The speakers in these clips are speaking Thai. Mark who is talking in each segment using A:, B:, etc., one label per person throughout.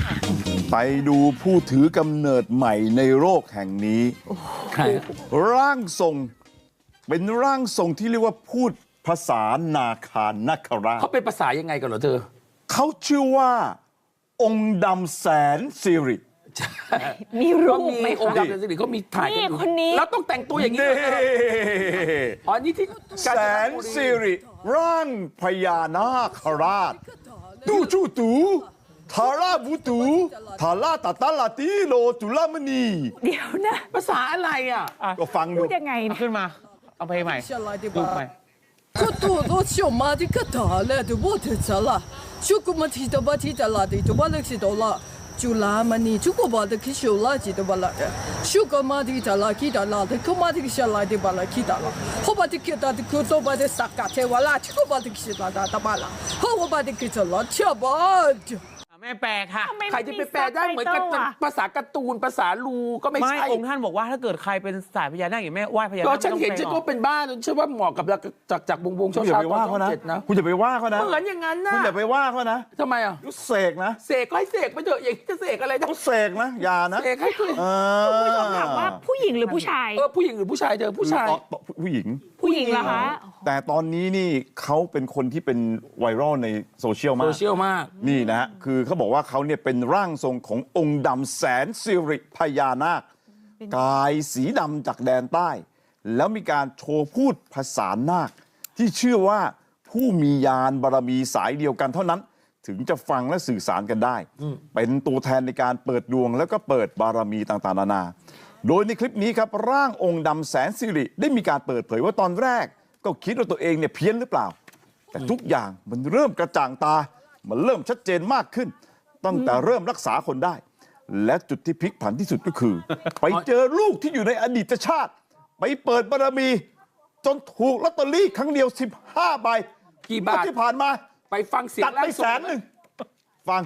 A: ไปดูผู้ถือกำเนิดใหม่ในโลกแห่งนี้ร่างทรงเป็นร่างทรงที่เรียกว่าพูดภาษานาคานาคราช
B: เขาเป็นภาษายังไงกันเหรอเธอ
A: เขาชื่อว่าองค์ดำแสนสิริ
C: มีรูปไหม
B: องค์ดำแสนสิริเขามีถ่ายกันอยู่
C: คนนี้
B: แล้วต้องแต่งตัวอย่างนี้อ๋อนี่ที่
A: แสนสิริร่างพญานาคราชตูจูตูทาราบูตูทาราตาตาลาติโลจุลามณี
C: เดี๋ยวนะ
B: ภาษาอะไรอ่ะ
A: ก็ฟังดู
C: พูดยังไง
D: ขึ้นมาเอาเพลงใหม่ดูใหม่
E: ก็ตัวรถชมาที่ก็ตาเลยดูว่าเธอจะละชุกุมาที่ตัวบ้านที่จะละที่ตัวบ้านเล็กสิตัวละจุลามันนี่ชุกุบ้านที่คิดละที่ตัวบ้านละชุกุมาที่จะละคิดละที่กุมาที่คิดละที่บ้านละคิดละเขาบ้านที่คิดละที่กุตัวบ้านที่สักกะเทวละชุกุบ้านที่คิดละที่บ้านละเขาบ้านที่คิดละเชื่อบ้าน
D: แม่แปลค่ะ
B: ใครจะไปแปลได้เหมือนกับภาษาการ์ตูนภาษาลูก็ไม่ใช่
D: องค์ท่านบอกว่าถ้าเกิดใครเป็นสายพญานาคอย่างแม่ไหว้พญานาค
B: ก็ฉันเห็นฉันก็เป็นบ้านฉันว่าเหมาะกับจากวงเช้าๆตอน7นะ
A: คุณอย่าไปว่าเขานะ
B: เหมือนอย่างนั้นนะ
A: คุณอย่าไปว่าเขานะ
B: ทำไมอ่ะ
A: เสกนะ
B: เสกก็ให้เสกไปเถอะอย่างจะเสกอะไร
A: ต้องเสกนะอย่านะ
B: เสกให้คือ
C: คุณผู้ชมถามว่าผู้หญิงหรือผู้ชาย
B: ผู้หญิงหรือผู้ชายเธอผู้ชาย
A: ผู้หญิง
C: เหรอคะ
A: แต่ตอนนี้นี่เขาเป็นคนที่เป็นไวรัลในโซเชียลมากนี่นะฮะคือเขาบอกว่าเขาเนี่ยเป็นร่างทรงขององค์ดำแสนสิริพญานาคกายสีดำจากแดนใต้แล้วมีการโชว์พูดภาษานาคที่เชื่อว่าผู้มียานบารมีสายเดียวกันเท่านั้นถึงจะฟังและสื่อสารกันได้เป็นตัวแทนในการเปิดดวงแล้วก็เปิดบารมีต่างๆนานาโดยในคลิปนี้ครับร่างองค์ดำแสนสิริได้มีการเปิดเผยว่าตอนแรกก็คิดว่าตัวเองเนี่ยเพี้ยนหรือเปล่าแต่ทุกอย่างมันเริ่มกระจ่างตามันเริ่มชัดเจนมากขึ้นตั้งแต่เริ่มรักษาคนได้และจุดที่พลิกผันที่สุดก็คือ ไปเจอลูกที่อยู่ในอดีตชาติไปเปิดบารมีจนถูกลอตเตอรี่ครั้งเดียว15 ใบ
B: กี่บาท
A: ที่ผ่านมา
B: ไปฟังเสียง
A: ตัดไป100,000ฟัง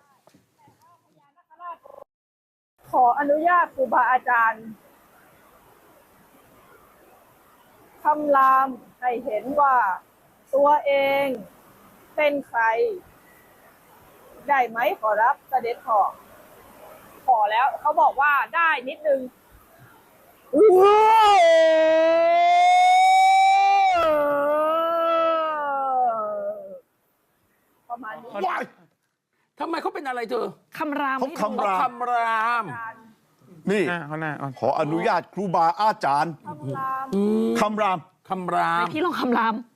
F: ขออนุญาตครูบาอาจารย์คำรามให้เห็นว่าตัวเองเป็นใครได้ไหมขอรับเสด็จพ่อขอแล้วเขาบอกว่าได้นิดนึงประมาณนี้
B: ทำไมเขาเป็นอะไรเธอ
C: คำราม
A: เขาคำรามนี่ขออนุญาตครูบาอาจารย์คำราม
C: พี่ลองคำราม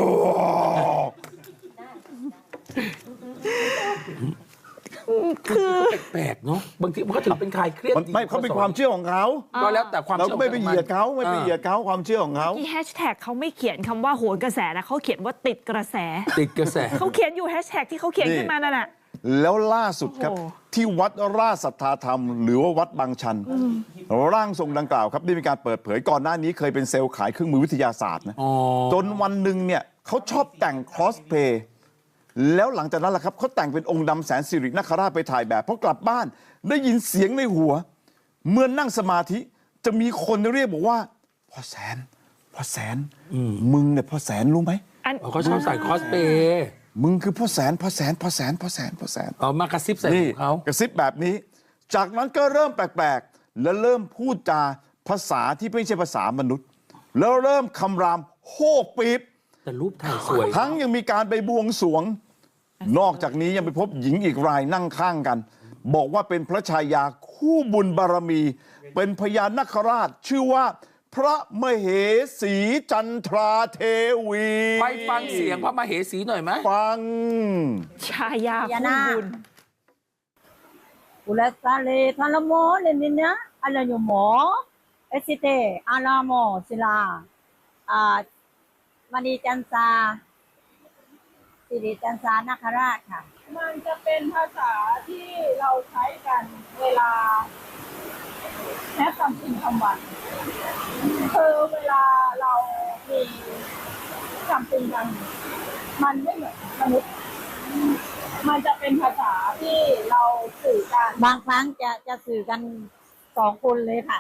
C: คือ
B: แปลกเนาะบางทีมันก็ถือเป็นคลายเครียด
A: ไม่เขาเป็นความเชื่อของเขา
B: ก็แล้วแต่ความ
A: เราก็ไม่ไปเหยียดเขาความเชื่อของเขา
C: ที่แฮชแท็กเขาไม่เขียนคำว่าโหนกระแสนะเขาเขียนว่าติดกระแสเขาเขียนอยู่แฮชแท็กที่เขาเขียนขึ้นมานั่นแหละ
A: แล้วล่าสุดครับที่วัดราชสัทธาธรรมหรือว่าวัดบางชันร่างทรงดังกล่าวครับได้มีการเปิดเผยก่อนหน้านี้เคยเป็นเซลล์ขายเครื่องมือวิทยาศาสตร์นะจนวันหนึ่งเนี่ยเขาชอบแต่งคอสเพลย์แล้วหลังจากนั้นแหละครับเขาแต่งเป็นองค์ดำแสนสิรินาคราชไปถ่ายแบบพอกลับบ้านได้ยินเสียงในหัวเมื่อนั่งสมาธิจะมีคนเรียกบอกว่าพ่อแสนมึงเนี่ยพ่อแสนรู้ไหม
B: เขาชอบใส่คอสเพลย์
A: มึงคือพ่อแสน
B: มากระซิบใส่เขา
A: กระซิบแบบนี้จากนั้นก็เริ่มแปลกๆและเริ่มพูดจาภาษาที่ไม่ใช่ภาษามนุษย์แล้วเริ่มคำรามโฮกปี๊บ
B: แต่รูปถ่ายสวย
A: ทั้งยังมีการไปบวงสรวงนอกจากนี้ยังไปพบหญิงอีกรายนั่งข้างกันบอกว่าเป็นพระชายาคู่บุญบารมีเป็นพญานาคราชชื่อว่าพระมเหสีจันทราเทวี
B: ไปฟังเสียงพระมเหสีหน่อยไหม
A: ฟัง
C: ชายาคู่บุญ
F: อุลสาเลทาลโมเลนินะอะไรอยู่หมอเอสิเตอาลาโมศิลามณีจันทราสิริจันทรานาคราชค่ะมันจะเป็นภาษาที่เราใช้กันเวลาแค่คำจริงคำวันคือเวลาเรามีคำจริงกันมันไม่เหมือนมนุษย์มันจะเป็นภาษาที่เราสื่อกันบางครั้งจะสื่อกัน2 คนเลยค่ะ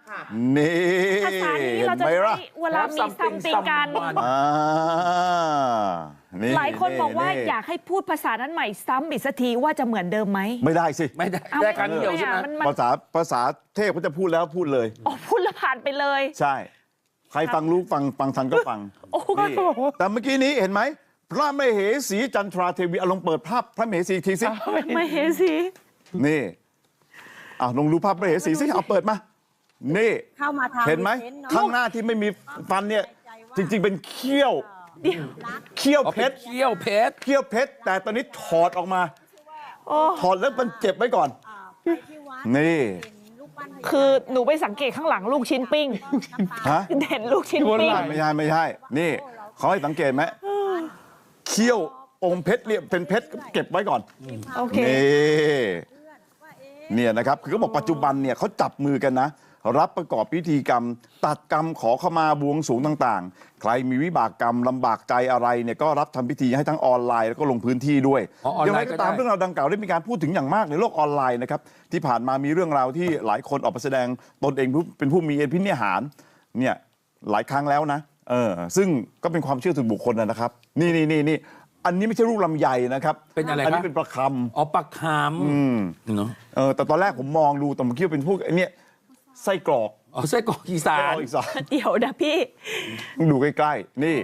A: นี่
C: ภาษานี้เราจะ
A: ห็นไหม
C: ใช้
A: ล่ะ
C: เวลามีซัมติงกัน
A: อ่านี่
C: หลายคนบอกว่า
A: นี่
C: อยากให้พูดภาษานั้นใหม่ซ้ำอีกสักทีว่าจะเหมือนเดิมไหม
A: ไม่ได้สิ
B: ไม่ได้
C: เอา
B: ได้ครั้งเดียวใช่ไหม
C: มัน
A: ภาษาเทพเขาจะพูดแล้วพูดเลย
C: อ๋อพูดแล้วผ่านไปเลย
A: ใช่ ใครฟังรู้ฟังทันก็ฟัง
C: โอ้โห
A: นี่แต่เมื่อกี้นี้เห็นไหม พระมเหสีจันทราเทวีเอาลองเปิดภาพพระมเหสีอีกทีสิ
C: ไม่เห็นสิ
A: นี่ลองดูภาพพระมเหสีสิเอาเปิดมา นี่
F: เข้ามาทาง
A: เห็นไหม
F: เนอะ
A: ข้างหน้าที่ไม่มีฟันเนี่ย จริง ๆ เป็นเขี้ยว เขี้ยว
B: เอา
A: เพ
B: เป็น
A: ชร
B: เขี้ยวเพชร
A: เขี้ยวเพชร แต่ตอนนี้ถอดออกมา
C: โอ้
A: ถอดแล้วมันเจ็บไว้ก่อน
F: ไปที่วัด
A: นี่
F: เห็นรูปปั้นพญานา
C: คือหนูไปสังเกตข้างหลังลูกชิ้นปิ้ง
A: ฮะ
C: เห็นลูกชิ้นปิ้ง
A: ไม่ใช่ นี่เขาให้สังเกตไหมเขี้ยวองค์เพชรเนี่ยเป็นเพชรเก็บไว้ก่อน
C: โอเค
A: นี่เนี่ยนะครับคือเขาบอกปัจจุบันเนี่ยเขาจับมือกันนะ รับประกอบพิธีกรรม ตัดกรรมขอขมาบวงสรวงต่างๆ ใครมีวิบากกรรมลำบากใจอะไรเนี่ยก็รับทำพิธีให้ทั้งออนไลน์แล้วก็ลงพื้นที่ด้วย
B: อ๋อออน
A: อย่าง
B: ไล
A: ไร
B: น์ก็
A: ก็
B: ได้
A: ตามเรื่องราวดังกล่าวได้มีการพูดถึงอย่างมากในโลกออนไลน์นะครับที่ผ่านมามีเรื่องราวที่หลายคนออกมาแสดงตนเองเป็นผู้มีอภินิหารเนี่ยหลายครั้งแล้วนะซึ่งก็เป็นความเชื่อส่วนบุคคลนะครับนี่อันนี้ไม่ใช่ลูกลำไยนะครับ
B: เป็นอะไร
A: อันนี้
B: ครับ
A: เป็นประคำ
B: อ๋อปลาคำเนาะ
A: แต่ตอนแรกผมมองดูแต่ผมคิดว่าเป็นพวกไอ้เนี่ยไส้กรอก
B: อ๋อไส้กรอกอีสา
A: ไส้กร
B: น
A: อกอีสาน
C: เดี๋ยวนะพี่
A: ต้องดูใกล้ๆนี่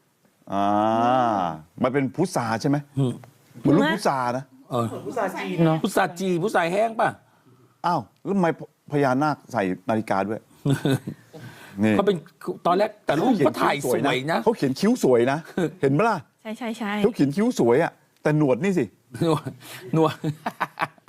A: มันเป็นพุทราใช่ไหมเหมือนลูกพุทรานะ
B: พุทราจีนเนาะพุทราจีนพุทราแห้งป่ะ
A: อ้าวแล้วทำไมพญานาคใส่นาฬิกาด้วยนี่
B: เขาเป็นตอนแรกแต่รูปเขาถ่ายสวยนะ
A: เขาเขียนคิ้วสวยนะ เห็นไหมล่ะ
C: ใช่
A: เขาเขียนคิ้วสวยอ่ะแต่หนวดนี่สิ
B: หนวด